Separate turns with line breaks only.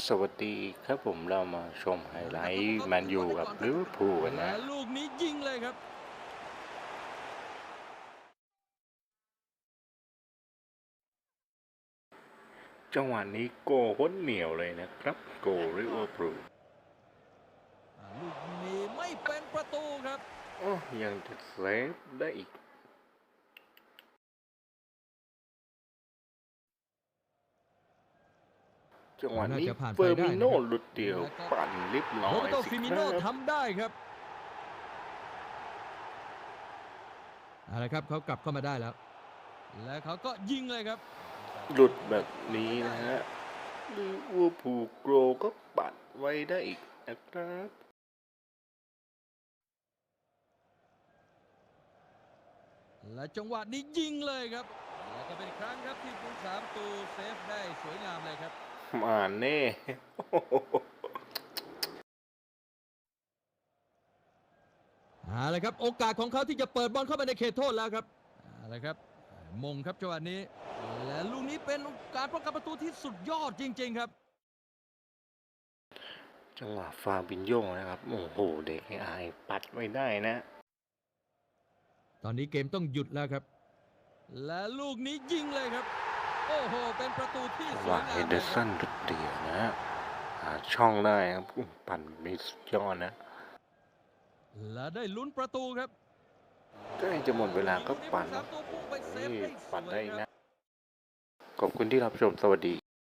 สวัสดีครับผมเรามาชมไฮไลท์แมนยูกับลิเวอร์พูลกัน
และ
นะ
ลูกนี้ยิงเลยครับ
จังหวะนี้โกโคตรเหนียวเลยนะครับโกลิเวอร์พูล
ลูกนี้ไม่เป็นประตูครับ
ยังจะเซฟได้อีกจังหวะ
น่า
นี้
จะผ่าน
เฟ
ไป
อร์มิโน่
ได้นะครับ
หลุดเดียว
แล้วก็
ปั่นเรียบร้
โร
อ
เบโต
ยสิ
ฟิมิโน
ครับ
ทำได้ครับอะไรครับเขากลับเข้ามาได้แล้วและเขาก็ยิงเลยครับ
หลุดแบบนี้นะฮะลิเวอร์พูลโกรก็ปัดไว้ได้อีกนะครับ
และจังหวะนี้ยิงเลยครับและก็เป็นครั้งครับที่ผู้สามตูเซฟได้สวยงามเลยครับ
มาแน่
อะไรครับโอกาสของเขาที่จะเปิดบอลเข้าไปในเขตโทษแล้วครับอะไรครับมงครับจังหวะนี้และลูกนี้เป็นการป้องกันประตูที่สุดยอดจริงๆครับ
จังหวะฟาบินโยนะครับโอ้โหเด็กไอปัดไว้ได้นะ
ตอนนี้เกมต้องหยุดแล้วครับและลูกนี้ยิงเลยครับโอ้โหเป็นประตูที่สว
ว่าย
งา
เฮ
มเลยครั
เดอร์สันดุดเดียวนะหาช่องได้ครับปั่นมีสุดยอดนะ
และได้ลุ้นประตูครับ
ใกล้จะหมดเวลาก็ปั่น
สามตัวพุ่งไปเซฟได้ส
ปั่น
วยครับ
ได้นะขอบคุณที่รับชมสวัสดี